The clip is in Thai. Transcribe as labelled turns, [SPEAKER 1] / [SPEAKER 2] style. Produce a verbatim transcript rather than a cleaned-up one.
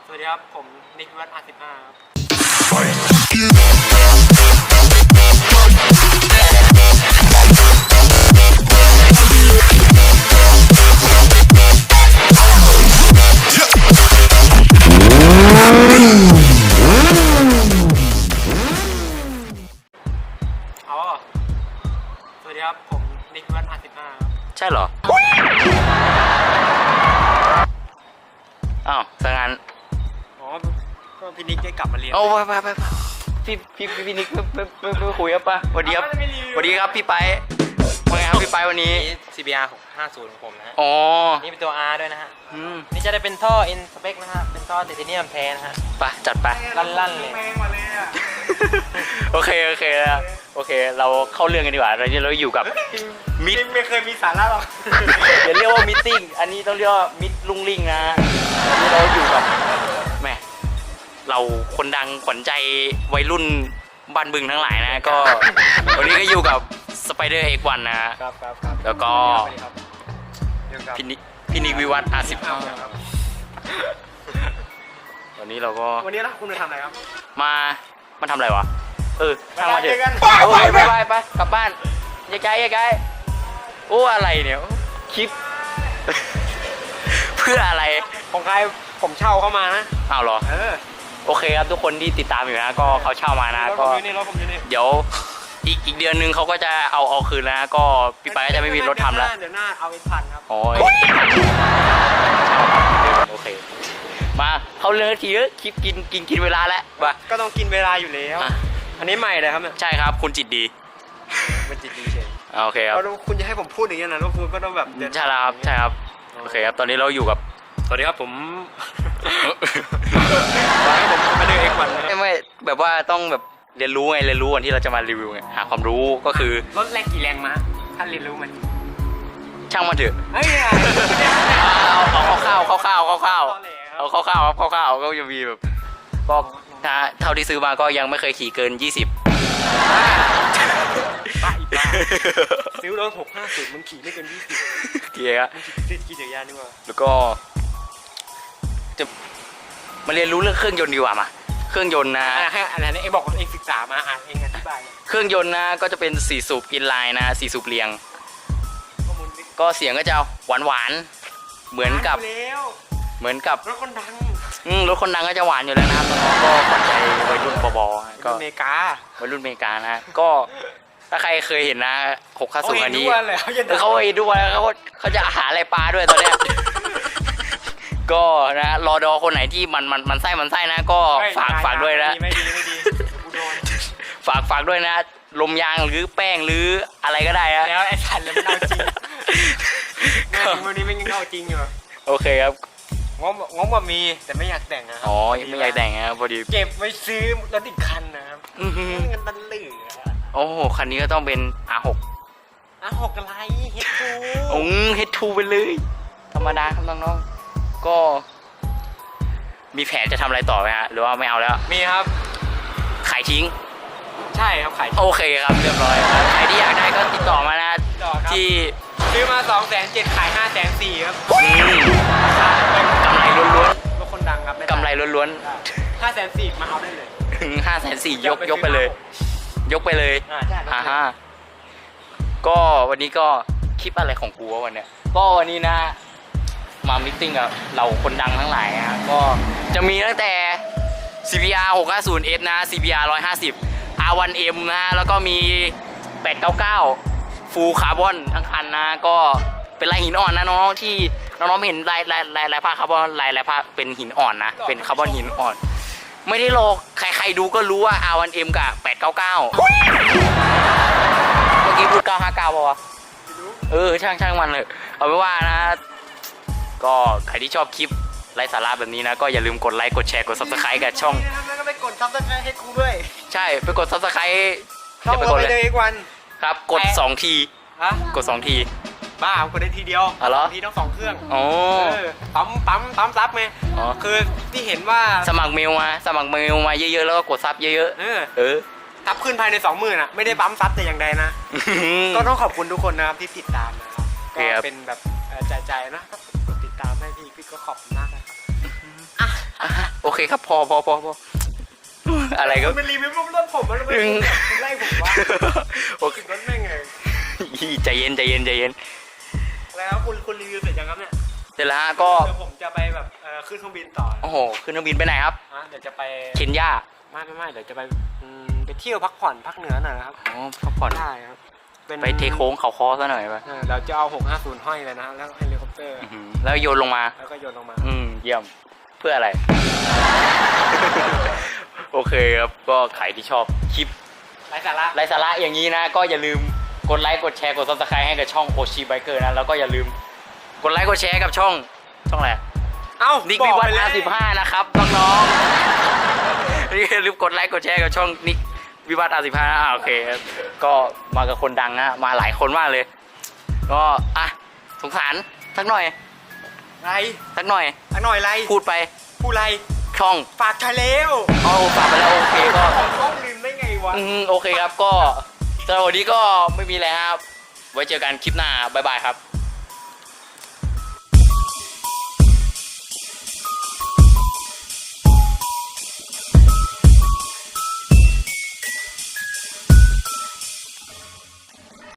[SPEAKER 1] สวัสดีครับผมนิกวิวัฒน์อาร์สิบห้าครับอ๋อสวัสดีครับผมนิกวิวัฒน์อาร์สิบห้าครับ
[SPEAKER 2] ใช่เหรออ้าวสังงาน
[SPEAKER 1] อ๋อก็พี่นิกได้กลับมาเรียน
[SPEAKER 2] โอ้ไปไปไปพี่พี่พี่นิกไม่ไม่ไม่คุยครับป่ะสวัสดีครับสวัสดีครับพี่ไปว่าไงครับพี่ไปวันนี้
[SPEAKER 1] ซี บี อาร์ หกห้าศูนย์ของผมนะฮะ
[SPEAKER 2] อ๋อ
[SPEAKER 1] นี่เป็นตัว R ด้วยนะฮะนี่จะได้เป็นท่อ N spec นะฮะเป็นท่อไทเทเนียมแท้นะฮะ
[SPEAKER 2] ไปจัดไป
[SPEAKER 1] ลั่นๆเลย
[SPEAKER 2] โอเคโอเคแล้วโอเคเราเข้าเรื่องกันดีกว่าเราเราอยู่กับ
[SPEAKER 1] มิดไม่เคยมีสาระหรอก
[SPEAKER 2] อย่าเรียกว่ามิทติ้งอันนี้ต้องเรียกว่ามิดลุงลิงนะนี่เราอยู่กับแม่เราคนดังขวัญใจวัยรุ่นบ้านบึงทั้งหลายนะก็วันนี้ก็อยู่กับสไปเดอร์เอ็กวันนะครับ
[SPEAKER 1] ครับครับ
[SPEAKER 2] แล้วก็พี่นิกพี่นิกวิวัฒน์อาร์สิบห้าวันนี้เราก็
[SPEAKER 1] วันนี้เราคุณมาทำอะไรครับ
[SPEAKER 2] มามันทำอะไรวะเออทางมาเถอะโอ้ยไปไปไปกลับบ้านยายไกลยายไกลโอ้อะไรเนี่ยคลิปเพื่ออะไร
[SPEAKER 1] ของใครผมเช่าเข้ามานะ
[SPEAKER 2] อ้าวเหรอ
[SPEAKER 1] เออ
[SPEAKER 2] โอเคครับทุกคนที่ติดตามอยู่นะก็เขาเช่ามานะก็เดี๋ยวอีกอีกเดือนนึงเขาก็จะเอาเอาคืนนะก็พี่ไปก็จะไม่มีรถทำแล้ว
[SPEAKER 1] เดี๋ยวหน้าเอาเป็นพันครับ
[SPEAKER 2] โอ้ยโอเคมาเขาเรื่องทีเออคลิปกินกินกินเวลาแล้วว่า
[SPEAKER 1] ก็ต้องกินเวลาอยู่แล้วอันนี้ใหม่เลยครับเนี่ย
[SPEAKER 2] ใช่ครับคุณจิตดี
[SPEAKER 1] มันจิตดีเฉย
[SPEAKER 2] โอเคครับ
[SPEAKER 1] คุณจะให้ผมพูดอย่างนี้นะแล้วคุณก็ต้องแบบ
[SPEAKER 2] ใช่ครับใช่ครับโอเคครับตอนนี้เราอยู่กับ
[SPEAKER 1] สวัสดีครับผมผมมาเดินเอ็กวัน
[SPEAKER 2] ไม่ไม่แบบว่าต้องแบบเรียนรู้ไงเรียนรู้วันที่เราจะมารีวิวไงหาความรู้ก็คือ
[SPEAKER 1] รถแรงกี่แรงมาท่านเรียนรู้มัน
[SPEAKER 2] ช่างมันเถอะ
[SPEAKER 1] เฮ้ย
[SPEAKER 2] เอาเอาข้าวข้าวข้าวข้าวข้าวเอาข้าวข้าวครับข้าวข้าวก็จะมีแบบก็ถ้าเท่าที่ซื้อมาก็ยังไม่เคยขี่เกินยี่สิบ
[SPEAKER 1] ป้าอีกป้าซื้อรถหกห้าสิบมึงขี่ไม่เกินยี่สิบ
[SPEAKER 2] เกียร์อะ
[SPEAKER 1] ติดขี่จักรยานดีกว่า
[SPEAKER 2] แล้วก็จะมาเรียนรู้เรื่องเครื่องยนต์ดีกว่ามาเครื่องยนต์นะ
[SPEAKER 1] ให้อะไรนะเองบอกเองศึกษามาอ่านเองอธิบาย
[SPEAKER 2] เครื่องยนต์นะก็จะเป็นสี่สูบอินไลน์นะสี่สูบเรียงก็เสียงก็จะหวานหวานเหมือนกับเหมือนกับ
[SPEAKER 1] รถคนดัง
[SPEAKER 2] อืมรถคนดังก็จะหวานอยู่แล้วนะน้องๆก็ขวัญใจวัยรุ่นปบ
[SPEAKER 1] ก็อเมริกา
[SPEAKER 2] วัยรุ่นอเมริกานะก็ถ้าใครเคยเห็นนะหกข้าสูงอันนี้เขาเห็นด้วยเขาเขาจะหาอะไรปลาด้วยตอนเนี้ยก็นะรอดอคนไหนที่มันมันมันไส้มันไส้นะก็ฝากฝากด้วยนะ
[SPEAKER 1] ไม่ดีไม่ดี
[SPEAKER 2] ฝากฝากด้วยนะลมยางหรือแป้งหรืออะไรก็ได้นะ
[SPEAKER 1] แล้วไอ้สันแล้วมันเอาจริงวันนี้ไม่ยังเอาจริงอยู่
[SPEAKER 2] โอเคครับ
[SPEAKER 1] งบงบว่ามีแต่ไม่อยากแต่งนะ
[SPEAKER 2] อ๋อไม่อยากแต่งนะพอดี
[SPEAKER 1] เก็บไว้ซื้อรถอีกคันนะครับเงินมันเหลือ
[SPEAKER 2] โอ้โหคันนี้ก็ต้องเป็น อาร์ หก
[SPEAKER 1] อาร์ หก อะไร เฮด ทู
[SPEAKER 2] อืม เฮด ทู ไปเลยธรรมดาครับน้องๆก็มีแผนจะทำอะไรต่อไหมฮะหรือว่าไม่เอาแล้ว
[SPEAKER 1] มีครับ
[SPEAKER 2] ขายทิ้ง
[SPEAKER 1] ใช่ครับขาย
[SPEAKER 2] โอเคครับเรียบร้อยใครที่อยากได้ก็ติดต่อมานะที่
[SPEAKER 1] ซื้อมาสองแสนเจ็ดขายห้าแสนสี่ครับ
[SPEAKER 2] กำไรล้วนๆ
[SPEAKER 1] รถคนดังครับ
[SPEAKER 2] กำไรล้วน
[SPEAKER 1] ๆห้าแสนสี่มาเอาได้เลย
[SPEAKER 2] ห้าแสนสี่ยกยกไปเลยยกไปเลย
[SPEAKER 1] ฮ่า
[SPEAKER 2] ฮ่าก็วันนี้ก็คลิปอะไรของกูวะวันเนี้ยก็วันนี้นะมามิทติ้งกับเราคนดังทั้งหลายนะก็จะมีตั้งแต่ ซี บี อาร์ หกห้าศูนย์ เอส นะ ซี บี อาร์ หนึ่งห้าศูนย์ อาร์ วัน เอ็ม นะแล้วก็มีแปดเก้าเก้าฟูลคาร์บอนทั้งคันนะก็เป็นลายหินอ่อนนะน้องๆที่น้องๆเห็นลายลายลายลายผ้าคาร์บอนลายลายผ้าเป็นหินอ่อนนะเป็นคาร์บอนหินอ่อนไม่ได้โลกใครๆดูก็รู้ว่า อาร์ วัน เอ็ม กับแปดเก้าเก้าเมื่อกี้พูดเก้าห้าเก้าป่ะเออช่างช่างมันเลยเอาไว้ว่านะก็ใครที่ชอบคลิปไร้สาระแบบนี้นะก็อย่าลืมกดไลค์กดแชร์กด ซับสไครบ์ กับช่อง
[SPEAKER 1] แล้วก็ไปกด ซับสไครบ์ ให้กูด้วย
[SPEAKER 2] ใช่ไปกด ซับสไครบ์
[SPEAKER 1] ช่องเราไปเลยอีกวัน
[SPEAKER 2] ครับกดสองทีกดสองที
[SPEAKER 1] บ้ากดได้ทีเดียวทีต้องสองเครื่อง
[SPEAKER 2] อ๋อ
[SPEAKER 1] ปั๊มปั๊มปั๊มซับไหมอ๋อคือที่เห็นว่า
[SPEAKER 2] สมัครเมลมาสมัครเมลมาเยอะๆแล้วก็กดซับเยอะๆเออเออ
[SPEAKER 1] ซับขึ้นภายในสองหมื่นอ่ะไม่ได้ปั๊มซับแต่อย่างใดนะก็ต้องขอบคุณทุกคนนะครับที่ติดตามนะครับก็เป็นแบบใจๆนะกดติดตามให้พี่พี่ก็ขอบคุณมากนะครับ
[SPEAKER 2] เคครับพอพอพอพออะไรก็
[SPEAKER 1] คุณเป็นรีวิวรถผมมันไม่คุณไล่ผมว่า
[SPEAKER 2] โอเค
[SPEAKER 1] รถแม่งไง
[SPEAKER 2] ใจเย็นใจเย็นใจเย็น
[SPEAKER 1] แล้วคุณคุณรีวิวเสร็จยังครับเนี่ย
[SPEAKER 2] เสร็จแล้วฮะก็
[SPEAKER 1] เดี๋ยวผมจะไปแบบเอ่อขึ้นเครื่องบินต่อ
[SPEAKER 2] โอ้โหขึ้นเครื่องบินไปไหนครับ
[SPEAKER 1] อ่ะเดี๋ยวจะไป
[SPEAKER 2] เคนยา
[SPEAKER 1] ไม่ไม่ไม่เดี๋ยวจะไปอืมไปเที่ยวพักผ่อนพักเหนือหน่อยนะครับ
[SPEAKER 2] อ๋อพักผ่อน
[SPEAKER 1] ได้ครับเป็น
[SPEAKER 2] ไปเทโค้งเขาคอซะหน่อยป่ะ
[SPEAKER 1] เออเราจะเอาหกห้าศูนย์ห้อยเลยนะแล้วเฮลิคอปเตอร์
[SPEAKER 2] อื้อหือแล้วโยนลงมา
[SPEAKER 1] แล้วก็โยนลงมา
[SPEAKER 2] อืมเยี่ยมเพื่ออะไร โอเคครับก็ใครที่ชอบคลิป
[SPEAKER 1] ไร้สาระ
[SPEAKER 2] ไร้สาระอย่างนี้นะ ก็อย่าลืมกดไลค์กดแชร์กด ซับสไครบ์ ให้กับช่องโอชิไบเกอร์นะแล้วก็อย่าลืมกดไลค์กดแชร์กับช่องช่องอะไร
[SPEAKER 1] เอ้า
[SPEAKER 2] นิก
[SPEAKER 1] บ
[SPEAKER 2] วิ
[SPEAKER 1] อก
[SPEAKER 2] วัฒ
[SPEAKER 1] ไป
[SPEAKER 2] น์
[SPEAKER 1] เลย
[SPEAKER 2] อาร์สิบห้านะครับน้องๆนี่อย่าลืมกดไลค์กดแชร์กับช่องนิกวิวัฒน์อาร์สิบห้าอ่าโอเคครับก็มากับคนดังนะมาหลายคนมากเลย ก็อ่ะสงสารสักหน่อย
[SPEAKER 1] ไร
[SPEAKER 2] สักหน่อย
[SPEAKER 1] อักหน่อยไร
[SPEAKER 2] พูดไป
[SPEAKER 1] ผู้ไร
[SPEAKER 2] ช่อง
[SPEAKER 1] ฝากชายเลว
[SPEAKER 2] เอาฝากไปแล้วโอเคก็
[SPEAKER 1] ของต้องลืมได้ไงวะ
[SPEAKER 2] อืมโอเคครับก็สำหรับวันนี้ก็ไม่มีอะไรครับ ไว้เจอกันคลิปหน้า บ๊ายบายครับ